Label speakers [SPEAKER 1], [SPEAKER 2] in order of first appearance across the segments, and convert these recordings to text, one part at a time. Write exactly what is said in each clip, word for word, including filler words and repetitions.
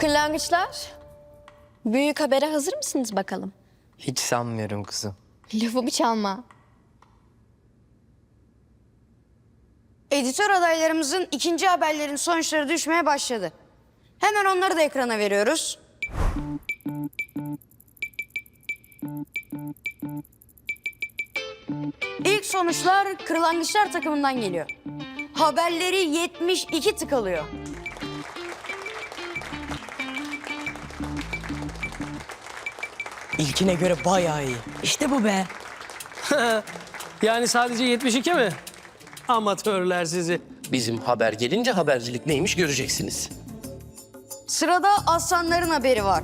[SPEAKER 1] Kırlangıçlar, büyük habere hazır mısınız bakalım?
[SPEAKER 2] Hiç sanmıyorum kızım.
[SPEAKER 1] Lafımı çalma.
[SPEAKER 3] Editör adaylarımızın ikinci haberlerin sonuçları düşmeye başladı. Hemen onları da ekrana veriyoruz. İlk sonuçlar Kırlangıçlar takımından geliyor. Haberleri yetmiş iki tık alıyor.
[SPEAKER 4] İlkine göre bayağı iyi. İşte bu be.
[SPEAKER 5] Yani sadece yetmiş iki mi? Amatörler sizi.
[SPEAKER 6] Bizim haber gelince habercilik neymiş göreceksiniz.
[SPEAKER 3] Sırada aslanların haberi var.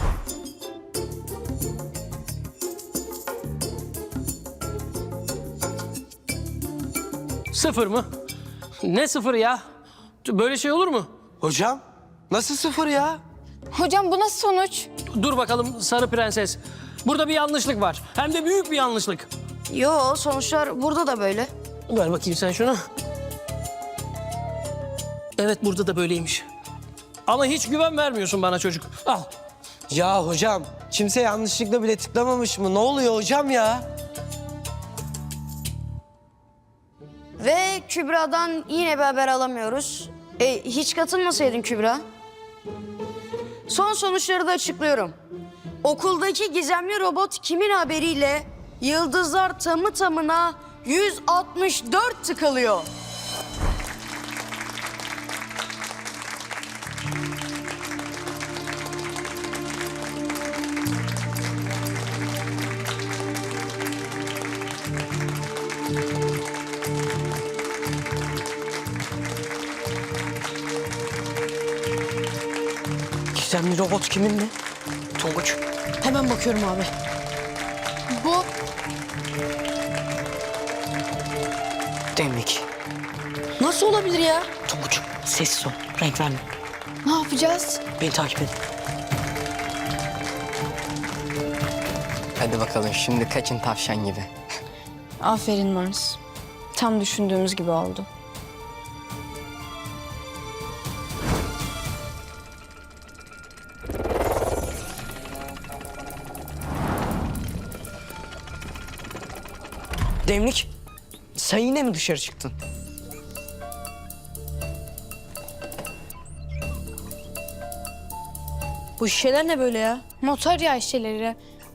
[SPEAKER 5] Sıfır mı? Ne sıfır ya? Böyle şey olur mu?
[SPEAKER 2] Hocam nasıl sıfır ya?
[SPEAKER 1] Hocam bu nasıl sonuç?
[SPEAKER 5] Dur bakalım sarı prenses. Burada bir yanlışlık var. Hem de büyük bir yanlışlık.
[SPEAKER 3] Yo, sonuçlar burada da böyle.
[SPEAKER 5] Ver bakayım sen şunu. Evet burada da böyleymiş. Ama hiç güven vermiyorsun bana çocuk. Al.
[SPEAKER 2] Ya hocam kimse yanlışlıkla bile tıklamamış mı? Ne oluyor hocam ya?
[SPEAKER 3] Ve Kübra'dan yine bir haber alamıyoruz. E, hiç katılmasaydın Kübra. Son sonuçları da açıklıyorum. Okuldaki gizemli robot kimin haberiyle yıldızlar tamı tamına yüz altmış dört tık alıyor.
[SPEAKER 4] Gizemli robot kimin mi? Tonguç. Hemen bakıyorum abi.
[SPEAKER 1] Bu
[SPEAKER 4] Demlik.
[SPEAKER 1] nasıl olabilir ya?
[SPEAKER 4] Tonguç sessiz ol. Renk verme.
[SPEAKER 1] Ne yapacağız?
[SPEAKER 4] Beni takip edin.
[SPEAKER 2] Hadi bakalım şimdi kaçın tavşan gibi.
[SPEAKER 1] Aferin Mars. Tam düşündüğümüz gibi oldu.
[SPEAKER 4] Demlik. Sen yine mi dışarı çıktın? Bu şişeler ne böyle ya?
[SPEAKER 7] Motor yağ şişeleri.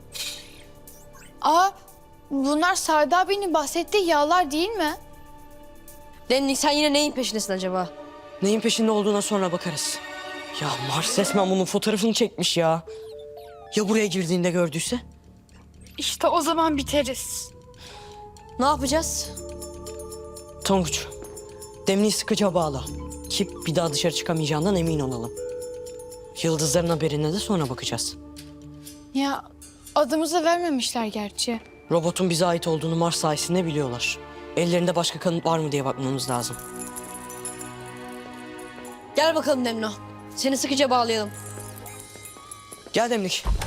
[SPEAKER 7] Aa, bunlar Sadi abinin bahsettiği yağlar değil mi?
[SPEAKER 1] Demlik sen yine neyin peşindesin acaba?
[SPEAKER 4] Neyin peşinde olduğuna sonra bakarız. Ya Mars resmen bunun fotoğrafını çekmiş ya. Ya buraya girdiğinde gördüyse?
[SPEAKER 7] İşte o zaman biteriz.
[SPEAKER 1] Ne yapacağız?
[SPEAKER 4] Tonguç, Demliği sıkıca bağla. Ki bir daha dışarı çıkamayacağından emin olalım. Yıldızların haberine de sonra bakacağız.
[SPEAKER 7] Ya adımızı vermemişler gerçi.
[SPEAKER 4] Robotun bize ait olduğunu Mars sayesinde biliyorlar. Ellerinde başka kanıt var mı diye bakmamız lazım.
[SPEAKER 1] Gel bakalım Demno. Seni sıkıca bağlayalım.
[SPEAKER 4] Gel Demlik.